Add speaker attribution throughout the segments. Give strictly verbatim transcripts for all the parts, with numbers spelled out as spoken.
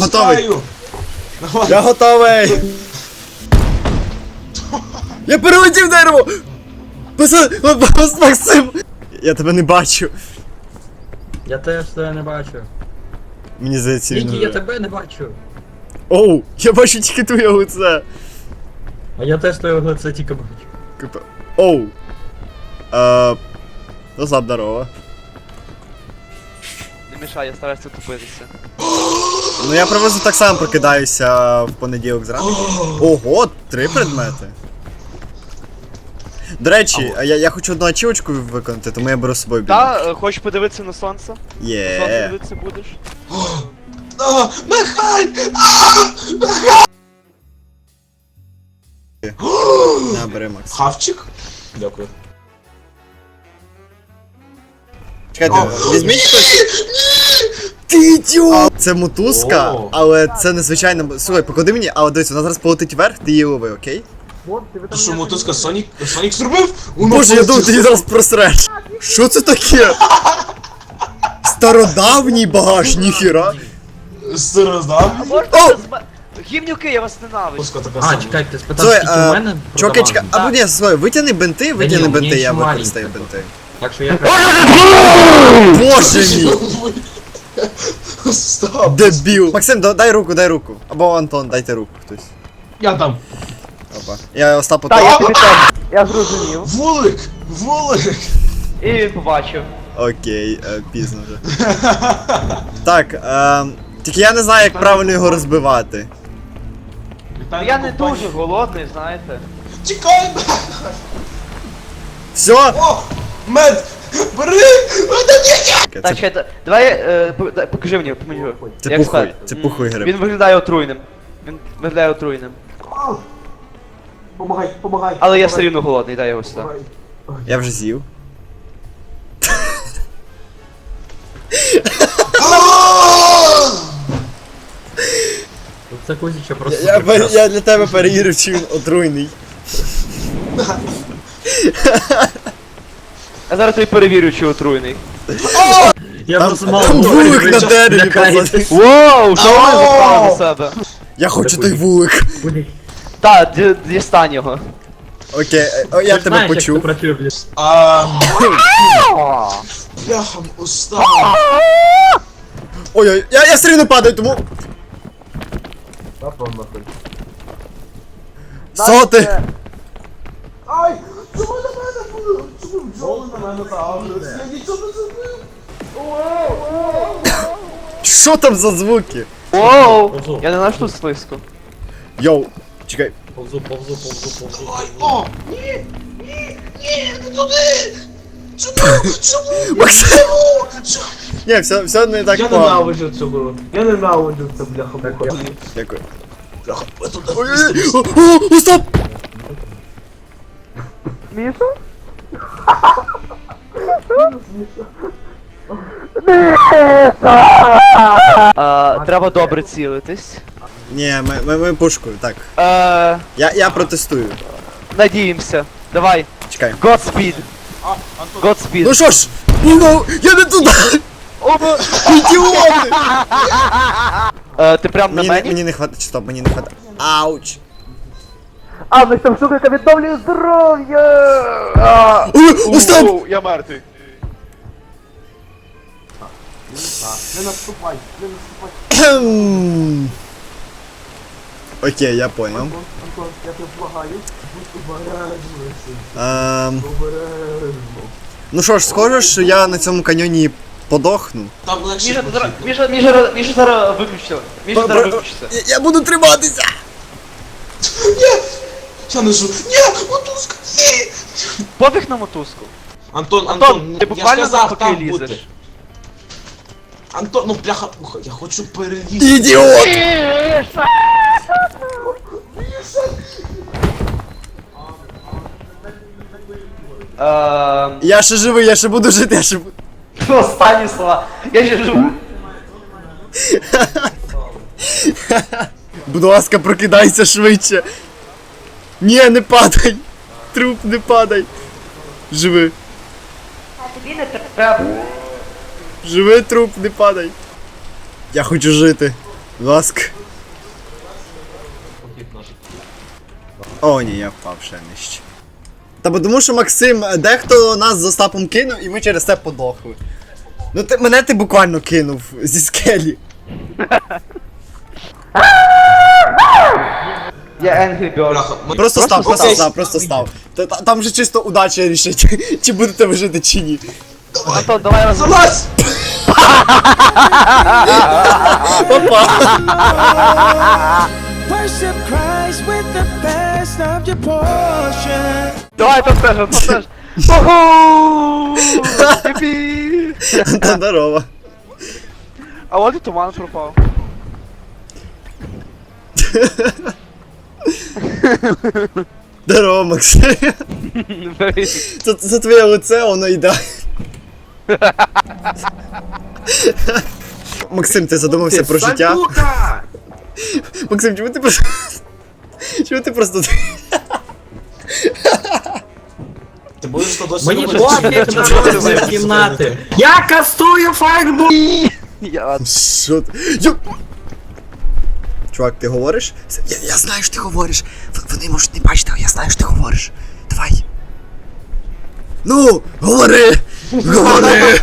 Speaker 1: готовий.
Speaker 2: Давай.
Speaker 1: Я готовий. Я перелетів дерево. Пацан, Максим. Я тебе не бачу.
Speaker 3: Я теж тебе не бачу.
Speaker 1: Мені здається, він...
Speaker 3: Нікі, я тебе не бачу.
Speaker 1: Оу, я бачу тільки твоє лице.
Speaker 3: А я теж твоє лице тільки бачу.
Speaker 1: Капа. Оу. Е... Ну, здорово.
Speaker 4: Не мішай, я стараюся тупитися.
Speaker 1: Ну я приблизно так само прокидаюся в понеділок зранку. Ого, три предмети. До речі, а я, я хочу одну ачівочку виконати, тому я беру з собою бінок.
Speaker 4: Та, е, хочеш подивитися на сонце? Сонце
Speaker 1: Є.
Speaker 4: дивитися будеш?
Speaker 2: А, Михайль!
Speaker 1: На, бери, Макс.
Speaker 2: Хавчик? Дякую.
Speaker 1: Чекайте, візьміть хтось. Ти ідіот! Це мотузка,
Speaker 2: О.
Speaker 1: але це незвичайно. Слухай, поклади мені, але дивись, вона зараз полетить вверх, ти її лови, окей?
Speaker 2: Ти що, мотузка Сонік? Сонік зробив? Воно
Speaker 1: Боже, я думав,
Speaker 2: полетіло.
Speaker 1: ти її зараз просреш. Що це таке? Стародавній багаж, ніхіра.
Speaker 2: Староздав?
Speaker 4: Можна
Speaker 1: О!
Speaker 4: без ме- Гівнюки, я вас ненавиджу.
Speaker 2: Мотузка така
Speaker 3: А,
Speaker 2: сама.
Speaker 3: чекай, ти спитав,
Speaker 1: Слухай,
Speaker 3: скільки у
Speaker 1: а,
Speaker 3: мене?
Speaker 1: чуваки, чекай,
Speaker 3: продавано?
Speaker 1: або ні, слухай, витягни бинти, витягни
Speaker 3: ні,
Speaker 1: бинти,
Speaker 3: мені
Speaker 1: я
Speaker 3: ще
Speaker 1: використаю
Speaker 3: маленько.
Speaker 1: бинти.
Speaker 3: Так що я...
Speaker 1: Боже мій!
Speaker 2: Стоп.
Speaker 1: Дебіл! Максим, да- дай руку, дай руку. Або Антон, дайте руку хтось.
Speaker 2: Я там.
Speaker 1: Опа. Я Остапу
Speaker 4: Так,
Speaker 1: так.
Speaker 4: я тобі теж. Я зрозумів.
Speaker 2: Вулик! Вулик!
Speaker 4: І він побачив.
Speaker 1: Окей, е, пізно вже. Так, ем, тільки я не знаю, як правильно його розбивати.
Speaker 2: Вітаю
Speaker 4: Я
Speaker 2: на
Speaker 4: не
Speaker 2: компанії.
Speaker 4: дуже голодний, знаєте.
Speaker 2: Чекай!
Speaker 1: Все?
Speaker 2: О! Мед! Бери! Це
Speaker 4: Так, чекайте, давай, е, по- дай- покажи мені, помені його.
Speaker 1: Це
Speaker 4: Як
Speaker 1: пухой,
Speaker 4: сказати?
Speaker 1: це
Speaker 4: М,
Speaker 1: пухой гриб.
Speaker 4: Він виглядає отруйним. Він виглядає отруйним.
Speaker 2: Помагай, помагай.
Speaker 4: Але я все рівно голодний, дай його сюди.
Speaker 1: Я вже з'їв.
Speaker 3: Це Кузіча просто...
Speaker 1: Я, я,
Speaker 3: прекрасно.
Speaker 1: я для тебе перевірив, чи він отруйний.
Speaker 4: Я зараз тобі перевірю, чи отруйний.
Speaker 3: Я
Speaker 1: Там,
Speaker 3: просто мало
Speaker 1: там
Speaker 3: говорю,
Speaker 1: вулик
Speaker 3: ви
Speaker 1: на
Speaker 3: що,
Speaker 1: дереві,
Speaker 3: лякаєтесь?
Speaker 1: пацани.
Speaker 4: Воу, що ви заправили на себе?
Speaker 1: Я хочу той вулик.
Speaker 4: Так, ді- дістань його.
Speaker 1: Окей, е, о, я
Speaker 3: Ти
Speaker 1: тебе
Speaker 3: знаєш, як
Speaker 1: почув.
Speaker 3: це працює, блін?
Speaker 2: А, бляха, устав.
Speaker 1: Ой-ой, я, я все рівно падаю, тому. Соти!
Speaker 2: Ай! Чому на мене були? Чому бджоли на мене загрилися? Я нічого не зробив.
Speaker 1: Що там за звуки?
Speaker 4: Воу, я не знаю, що тут слизько.
Speaker 1: Йоу, чекай.
Speaker 3: Повзу, повзу, повзу, повзу.
Speaker 2: Ай, о! Ні! Ні! Ні! Не туди! Чому? Чому?
Speaker 1: Максим!
Speaker 2: Чому? Чому?
Speaker 1: Ні, все, все не так
Speaker 5: Я
Speaker 1: погано.
Speaker 5: ненавиджу цього. Я ненавиджу це, бляха муха.
Speaker 1: Дякую.
Speaker 2: Бляха, ви туди
Speaker 1: Ой-ой-ой, о, о, о, стоп!
Speaker 4: Міша? А, треба добре цілитись.
Speaker 1: Ні, ми, ми, ми пушкою, так.
Speaker 4: Е,
Speaker 1: Я, я протестую.
Speaker 4: надіємося. Давай.
Speaker 1: Чекай.
Speaker 4: Godspeed. Godspeed.
Speaker 1: Ну що ж, ну, я не туди!
Speaker 4: Оба.
Speaker 1: Ідіоти!
Speaker 4: Е, ти прям на
Speaker 1: Мені, не-
Speaker 4: мені?
Speaker 1: мені не хватить, стоп, мені не хватить. Ауч!
Speaker 4: А, ми там штука, яка відновлює здоров'я! А,
Speaker 1: Ой, о, стоп!
Speaker 4: оу, я мертвий.
Speaker 5: Не наступай, не наступай.
Speaker 1: Кхем. Окей, я понял.
Speaker 5: Антон, Антон, я тебе благаю. Будь обережний, син,
Speaker 1: Ем,
Speaker 5: обережно.
Speaker 1: ну що ж, схоже, що я на цьому каньйоні подохну.
Speaker 2: Там легше.
Speaker 4: Міша, ти зараз, Міша, Міша, Міша зараз виключиться. Міша
Speaker 1: Б-
Speaker 4: зараз
Speaker 1: б-
Speaker 4: виключиться.
Speaker 1: Я, я буду триматися!
Speaker 2: Ні! Я не жу. Ні! Мотузка! Ні!
Speaker 4: Пофіг на мотузку.
Speaker 2: Антон, Антон,
Speaker 4: Антон, ти
Speaker 2: я
Speaker 4: буквально
Speaker 2: ж сказав,
Speaker 4: навпаки
Speaker 2: там бути.
Speaker 4: лізеш.
Speaker 2: Антон, ну бляха, пуха, я хочу перевірити.
Speaker 1: Ідіот!
Speaker 4: Ем,
Speaker 1: Я ще живий, я ще буду жити, я ще буду.
Speaker 4: останні слова. Я ще живу.
Speaker 1: Будь ласка, прокидайся швидше. Ні, не падай. Труп, не падай. Живи.
Speaker 4: Тобі не треба.
Speaker 1: Живи, труп, не падай. Я хочу жити. Будь ласка.
Speaker 3: Похід наш.
Speaker 1: О, ні, я впав ще нижче. Та бо тому що Максим, дехто нас з Остапом кинув і ми через це подохли. Ну ти, мене ти буквально кинув зі скелі.
Speaker 4: Я Angry Bird.
Speaker 2: Бляха, ми-
Speaker 1: Просто став, просто
Speaker 2: став.
Speaker 1: став, просто став. Та- та- Там же чисто удача рішить, чи будете ви жити чи ні.
Speaker 4: Антон, давай раз.
Speaker 2: Залазь!
Speaker 1: Папа.
Speaker 6: Worship Christ with the best of your portion.
Speaker 4: Давай, Антон теж, Антон теж. Уху! Єпі!
Speaker 1: Та здорово.
Speaker 4: А от і туман пропав.
Speaker 1: Здорово, Максим. Це, це твоє лице, воно йде. Максим, ти задумався про життя?
Speaker 3: Сука!
Speaker 1: Максим, чому ти просто... Чому ти просто...
Speaker 2: Ти будеш то досі
Speaker 3: Мені
Speaker 2: робити?
Speaker 3: пофіг на розмір кімнати. Я кастую фаербол!
Speaker 4: Я...
Speaker 1: Що ти? Йо... Чувак, ти говориш? Я, я знаю, що ти говориш. В- Вони можуть не бачити, але я знаю, що ти говориш. Давай. Ну, говори! Говори!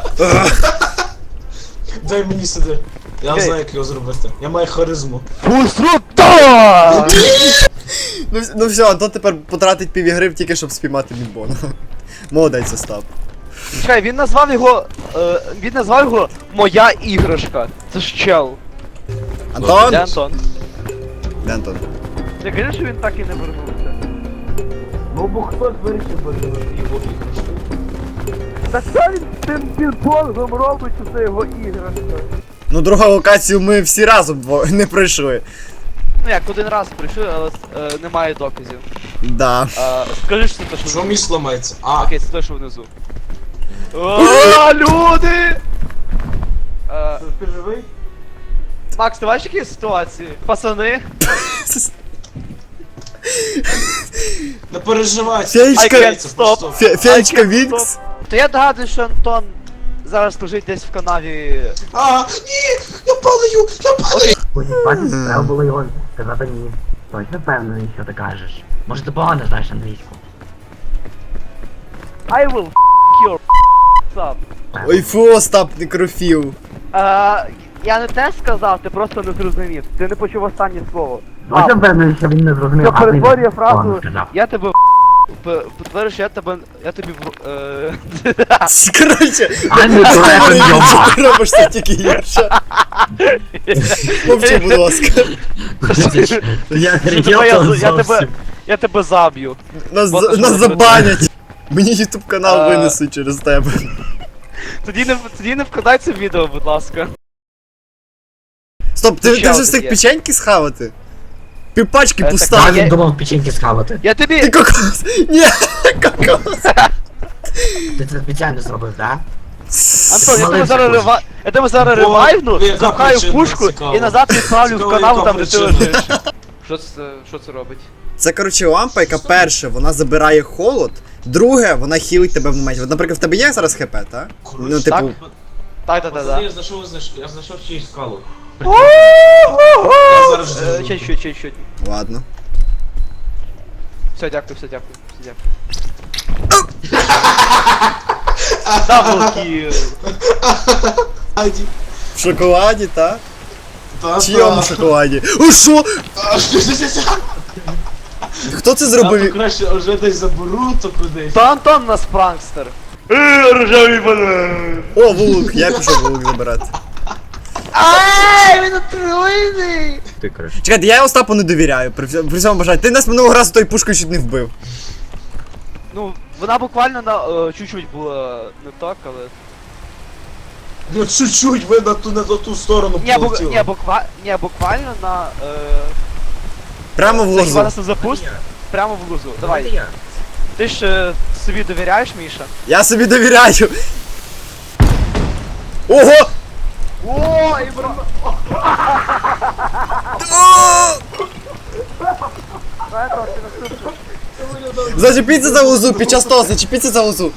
Speaker 2: Дай мені сюди. Я
Speaker 4: Окей.
Speaker 2: знаю, як його зробити. Я маю харизму.
Speaker 4: Пуструта!
Speaker 1: Ну, вс- ну все, Антон тепер потратить пів ігри тільки, щоб спіймати мідбона. Молодець, Остап.
Speaker 4: Чекай, він назвав його... Е, він назвав його Моя іграшка. Це ж чел.
Speaker 1: Антон?
Speaker 4: Де Антон?
Speaker 1: Де Антон?
Speaker 4: Я кажу, що він так і не вернувся.
Speaker 2: Ну бо хтось вирішив вирішити його іграшку.
Speaker 4: Так що він тим пінг-понгом робить, що це його іграшка?
Speaker 1: Ну, другу локацію ми всі разом дво... не пройшли.
Speaker 4: Ну як, один раз прийшли, але е, немає доказів.
Speaker 1: Да.
Speaker 4: Е, скажи, що це те, що
Speaker 2: Що між ламається? А,
Speaker 4: Окей, це те, що внизу. О, люди! Е,
Speaker 2: ти живий?
Speaker 4: Макс, ти бачиш які ситуації? Пацани?
Speaker 2: Не переживай.
Speaker 1: Феєчка-
Speaker 2: I
Speaker 4: can't stop.
Speaker 1: Фе- Феєчка Вінкс.
Speaker 4: То я догадую, що Антон зараз лежить десь в канаві.
Speaker 2: А, ні, я падаю, я падаю.
Speaker 7: Потім бачиш, треба було його сказати ні. Точно впевнений, що ти кажеш. Може ти погано знаєш англійську?
Speaker 4: I will f*** your up.
Speaker 1: Ой, фу, Остап, некрофіл.
Speaker 4: Е, я не те сказав, ти просто не зрозумів. Ти не почув останнє слово.
Speaker 7: Точно впевнений, що він не зрозумів.
Speaker 4: Що
Speaker 7: а ти
Speaker 4: перетворює фразу
Speaker 7: погано сказав.
Speaker 4: я тебе п- потворю, що я тебе. Я тобі в. Е...
Speaker 1: Короче,
Speaker 7: А не то,
Speaker 1: що ти робиш це тільки гірше. Мовчи, будь ласка.
Speaker 7: Я
Speaker 4: Давай, я, з- я тебе.
Speaker 7: зовсім.
Speaker 4: Я тебе заб'ю.
Speaker 1: Нас,
Speaker 4: Вот
Speaker 1: за-
Speaker 4: що
Speaker 1: нас
Speaker 4: ви
Speaker 1: забанять. Мені ютуб канал
Speaker 4: Е.
Speaker 1: винесуть через тебе.
Speaker 4: Тоді не тоді не вкладай це в відео, будь ласка.
Speaker 1: Стоп, ти,
Speaker 4: Ще
Speaker 1: ти вже
Speaker 4: один
Speaker 1: встиг
Speaker 4: є.
Speaker 1: печеньки схавати? Півпачки
Speaker 4: Е,
Speaker 1: пуста.
Speaker 7: А
Speaker 4: так,
Speaker 7: він
Speaker 4: я-
Speaker 7: думав печеньки схавати.
Speaker 4: Я тобі.
Speaker 1: Ти кокос. Ні, кокос.
Speaker 7: Ти це спеціально зробив, так?
Speaker 4: Антон, я тебе
Speaker 7: Маленький
Speaker 4: зараз
Speaker 7: кусик.
Speaker 4: рива... Я тебе зараз
Speaker 2: Бо,
Speaker 4: ревайвну,
Speaker 2: яка
Speaker 4: запхаю в
Speaker 2: причина?
Speaker 4: пушку
Speaker 2: Цікаво.
Speaker 4: і назад відправлю в
Speaker 2: Цікаво,
Speaker 4: канал
Speaker 2: яка
Speaker 4: там, де ти
Speaker 2: причина?
Speaker 4: лежиш. Що це, що це робить?
Speaker 1: Це, коротше, лампа, яка перше, вона забирає холод. Друге, вона хілить тебе в моменті. От, наприклад, в тебе є зараз хп, так? Ну,
Speaker 4: Так?
Speaker 1: типу,
Speaker 4: Так, так, так,
Speaker 3: Пацани,
Speaker 4: так.
Speaker 3: я знайшов, знайшов, я знайшов чиюсь скалу.
Speaker 2: Я зараз
Speaker 4: Е,
Speaker 2: жду.
Speaker 4: Чуть, чуть, чуть, чуть.
Speaker 1: ладно.
Speaker 4: Все, дякую, все, дякую, все, дякую. Даблкіл.
Speaker 2: Аді.
Speaker 1: В шоколаді, так?
Speaker 2: Та,
Speaker 1: В чийому
Speaker 2: та.
Speaker 1: шоколаді? О, що?
Speaker 2: А, що це за-
Speaker 1: Хто це
Speaker 2: Я
Speaker 1: зробив?
Speaker 2: то краще вже десь заберу, то кудись.
Speaker 4: То Антон нас пранкстер. Е, рожевий банан.
Speaker 1: О, вулик, я пішов вулик забирати.
Speaker 4: Ай, він отруйний.
Speaker 7: Ти коротше.
Speaker 1: Чекайте, я Остапу не довіряю, при всьому, при всьому бажанні. Ти нас минулого разу той пушкою чуть не вбив.
Speaker 4: Ну, вона буквально на е, чуть-чуть була не так, але...
Speaker 2: Ну чуть-чуть ви на ту, на ту сторону
Speaker 4: Ні, бу...
Speaker 2: полетіли.
Speaker 4: Ні, буква... Ні, буквально на... Е...
Speaker 1: Прямо в
Speaker 4: Це хіба
Speaker 1: лозу.
Speaker 4: нас не запуст? Прямо в лузу.
Speaker 7: Давайте
Speaker 4: Давай.
Speaker 7: я.
Speaker 4: Ти ж е, собі довіряєш, Міша?
Speaker 1: Я собі довіряю. Ого!
Speaker 4: О, і бро...
Speaker 1: Зачепіться за лозу, під час того, зачепіться за лозу.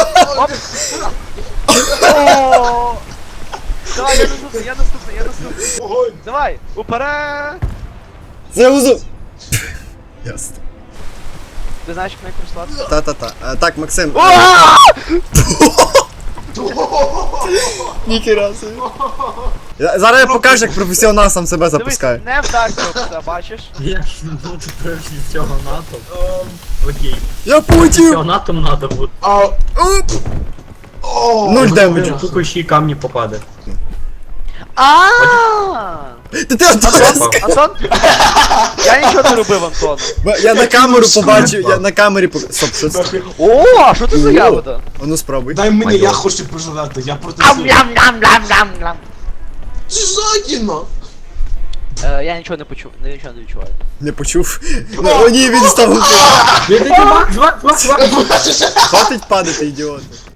Speaker 4: О! Давай, я наступний, я наступний, я наступний.
Speaker 2: Огонь!
Speaker 4: Давай, уперед!
Speaker 1: Це узу. Ясно.
Speaker 4: Ти знаєш, як не користуватися?
Speaker 1: Та-та-та. А, так, Максим.
Speaker 4: О!
Speaker 1: Ніхіра собі. Я- Зараз я покажу, як професіонал сам себе
Speaker 4: Дивись,
Speaker 1: запускає.
Speaker 4: не вдасться все, бачиш?
Speaker 3: Я ж ну тепер з цього НАТО. Окей.
Speaker 1: Я полетів!
Speaker 3: Цього НАТО надо буде.
Speaker 2: А,
Speaker 1: Оп!
Speaker 2: о,
Speaker 1: Нуль демеджу.
Speaker 3: Тут ще й камні попаде.
Speaker 4: А!
Speaker 1: Ти ти Антон!
Speaker 4: Антон? Я нічого не робив, Антон.
Speaker 1: Я на камеру побачив, я на камері побачив. Стоп, що це?
Speaker 4: О, а що це за ягода?
Speaker 1: А ну спробуй.
Speaker 2: дай мені,
Speaker 3: Майор.
Speaker 2: я хочу пожрати, я проти
Speaker 4: Ам,
Speaker 2: всього.
Speaker 4: лям, лям, лям, лям, лям.
Speaker 2: Жадіна!
Speaker 4: Е, Я нічого не почув, не- нічого не відчуваю.
Speaker 1: Не почув. О ні, він став.
Speaker 3: Чвак, чвак, чвак, чвак.
Speaker 1: Хватить падати, ідіот.